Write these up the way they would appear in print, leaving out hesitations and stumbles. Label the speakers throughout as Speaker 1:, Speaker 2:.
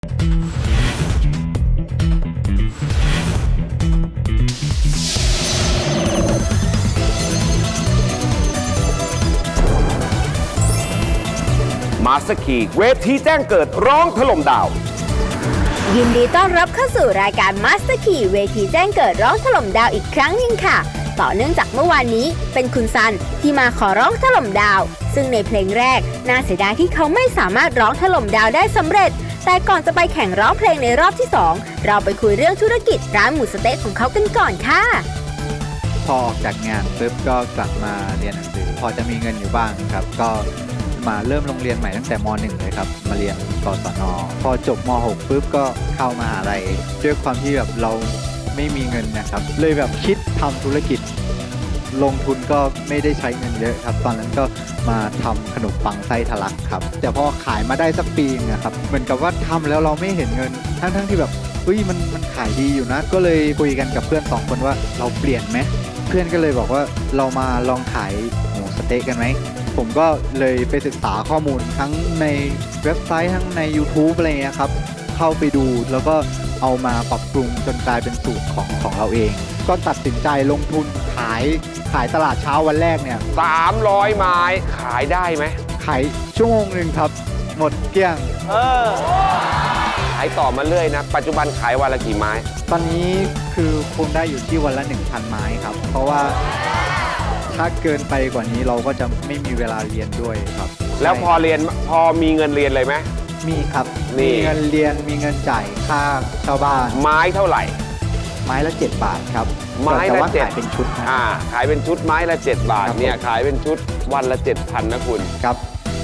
Speaker 1: มาสคีเวทีแจ้งเกิดร้องถล่มดาว
Speaker 2: ยินดีต้อนรับเข้าสู่รายการ Master Key เวทีแจ้งเกิดร้องถล่มดาวอีกครั้งหนึ่งค่ะต่อเนื่องจากเมื่อวานนี้เป็นคุณซันที่มาขอร้องถล่มดาวซึ่งในเพลงแรกน่าเสียดายที่เขาไม่สามารถร้องถล่มดาวได้สำเร็จแต่ก่อนจะไปแข่งร้องเพลงในรอบที่ 2เราไปคุยเรื่องธุรกิจร้านหมูสะเต๊ะของเขากันก่อนค่ะ
Speaker 3: พอออกจากงานปุ๊บก็กลับมาเรียนหนังสือพอจะมีเงินอยู่บ้างครับก็มาเริ่มโรงเรียนใหม่ตั้งแต่ม .1 เลยครับมาเรียนกศน.พอจบม .6 ปุ๊บก็เข้ามหาลัยด้วยความที่แบบเราไม่มีเงินนะครับเลยแบบคิดทำธุรกิจลงทุนก็ไม่ได้ใช้เงินเยอะครับตอนนั้นก็มาทำขนมปังไส้ทะลักครับแต่พอขายมาได้สักปีนึงนะครับเหมือนกับว่าทำแล้วเราไม่เห็นเงินทั้งที่แบบเฮ้ยมันขายดีอยู่นะก็เลยคุยกันกับเพื่อน2คนว่าเราเปลี่ยนไหมเพื่อนก็เลยบอกว่าเรามาลองขายหมูสะเต๊ะกันไหมผมก็เลยไปศึกษาข้อมูลทั้งในเว็บไซต์ทั้งใน YouTube อะไรเงี้ยครับเข้าไปดูแล้วก็เอามาปรับปรุงจนกลายเป็นสูตรของเราเองก็ตัดสินใจลงทุนขายตลาดเช้าวันแรกเนี่ย
Speaker 1: 300 ไม้ขายได้ไหม
Speaker 3: ขายชั่วโมงหนึ่งครับหมดเกลี้ยง
Speaker 1: ขายต่อมาเรื่อยนะปัจจุบันขายวันละกี่ไม้
Speaker 3: ตอนนี้คือคงได้อยู่ที่วันละ 1,000 ไม้ครับเพราะว่าถ้าเกินไปกว่านี้เราก็จะไม่มีเวลาเรียนด้วยครับ
Speaker 1: แล้วพอมีเงินเรียนเลยไหม
Speaker 3: มีครับมีเงินเรียนมีเงินจ่ายค่าชาวบ้าน
Speaker 1: ไม้เท่าไหร่
Speaker 3: ไม้ละ7 บาทครับ
Speaker 1: ไม้ละ7
Speaker 3: ขายเป็นชุด
Speaker 1: ขายเป็นชุดไม้ละ7 บาทเนี่ยขายเป็นชุดวันละ 7,000 นะคุณ
Speaker 3: ครับ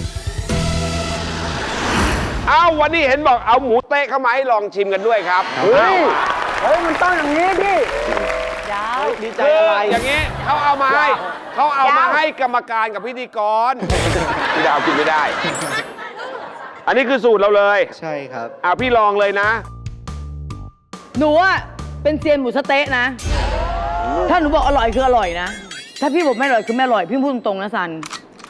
Speaker 1: วันนี้เห็นบอกเอาหมูเต๊ะเข้ามาให้ลองชิมกันด้วยครับ
Speaker 4: เฮ้ยมันต้องอย่างนี้พี่
Speaker 1: ยาวดีใจอะไรอย่างนี้เขาเอามาให้กรรมการกับพิธีกรพี่ดาวกินไม่ได้อันนี้คือสูตรเราเลย
Speaker 3: ใช่ครับ
Speaker 1: พี่ลองเลยนะ
Speaker 4: หนูอะเป็นเซียนหมูสะเต๊ะนะถ้าหนูบอกอร่อยคืออร่อยนะถ้าพี่บอกไม่อร่อยคือไม่อร่อยพี่พูดตรงๆนะซัน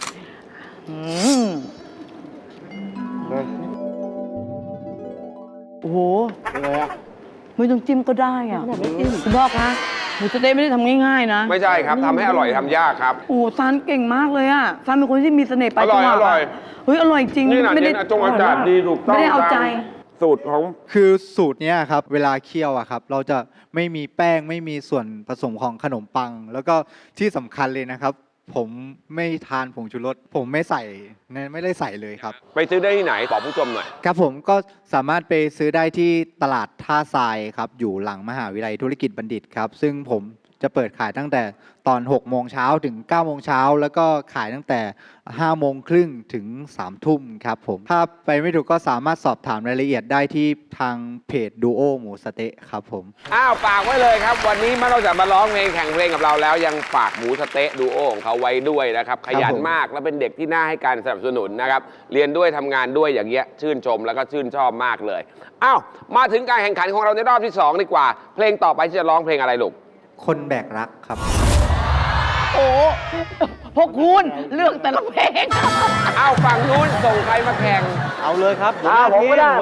Speaker 4: โอ้โหไม่ต้องจิ้มก็ได้อ่ะคุณพ่อคะหมูสะเต๊ะไม่ได้ทำง่ายๆนะ
Speaker 1: ไม่ใช่ครับทำให้อร่อยทำยากครับ
Speaker 4: โอ้ซันเก่งมากเลยอ่ะซันเป็นคนที่มีเสน่ห์ไป
Speaker 1: จังหวะอร่อย
Speaker 4: เฮ้ยอร่อยจริง
Speaker 1: ไม่ได้จงอากาศดีถูกต้อง
Speaker 4: ไม่ได้เอาใจ
Speaker 1: สูตรของ
Speaker 3: คือสูตรนี้ครับเวลาเคี่ยวอะครับเราจะไม่มีแป้งไม่มีส่วนผสมของขนมปังแล้วก็ที่สำคัญเลยนะครับผมไม่ทานผงชูรสผมไม่ได้ใส่เลยครับ
Speaker 1: ไปซื้อได้ที่ไหนบอกผู้ชมหน่อย
Speaker 3: ครับผมก็สามารถไปซื้อได้ที่ตลาดท่าทรายครับอยู่หลังมหาวิทยาลัยธุรกิจบัณฑิตครับซึ่งผมจะเปิดขายตั้งแต่ตอน6 โมงเช้าถึง9 โมงเช้าแล้วก็ขายตั้งแต่5 โมงครึ่งถึง3 ทุ่มครับผมถ้าไปไม่ถูกก็สามารถสอบถามรายละเอียดได้ที่ทางเพจดูโอหมูสะเต๊ะครับผม
Speaker 1: ฝากไว้เลยครับวันนี้นอกจากมาร้องเพลงแข่งเพลงกับเราแล้วยังฝากหมูสะเต๊ะดูโอของเขาไว้ด้วยนะครับขยันมากและเป็นเด็กที่น่าให้การสนับสนุนนะครับเรียนด้วยทำงานด้วยอย่างเงี้ยชื่นชมแล้วก็ชื่นชอบมากเลยมาถึงการแข่งขันของเราในรอบที่2ดีกว่าเพลงต่อไปที่จะร้องเพลงอะไรลูก
Speaker 3: คนแบกรักครับ
Speaker 4: โอ้พวกคุณเลือกแต่ละเพลง
Speaker 1: ฝั่งนู้นส่งใครมาแข่ง
Speaker 3: เอาเลยครับ
Speaker 4: ผมก็ได้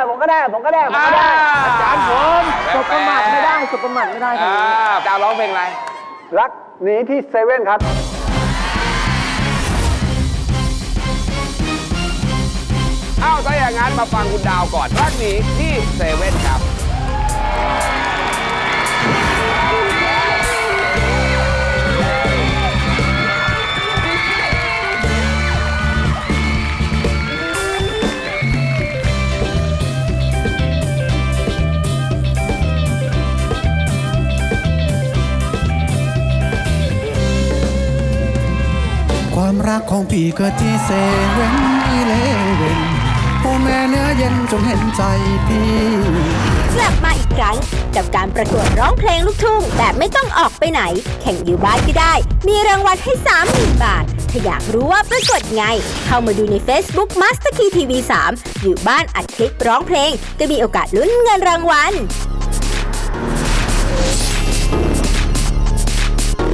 Speaker 4: อาจารย์ผมสบประมาทไม่ได้
Speaker 1: ครับจะร้องเพลงอะไร
Speaker 5: รักหนีที่เซเว่นครับ
Speaker 1: ถ้าอย่างนั้นมาฟังคุณดาวก่อนรักหนีที่เซเว่นครับ
Speaker 6: ความรักของพี่ก็ที่เซเว่นพ่อแม่เนื้อเย็นจงเห็นใจพี่
Speaker 2: กลับมาอีกครั้งกับการประกวดร้องเพลงลูกทุ่งแบบไม่ต้องออกไปไหนแข่งอยู่บ้านก็ได้มีรางวัลให้ 30,000 บาทถ้าอยากรู้ว่าประกวดไงเข้ามาดูใน Facebook Master Key TV 3อยู่บ้านอัดคลิปร้องเพลงก็มีโอกาสลุ้นเงินรางวัล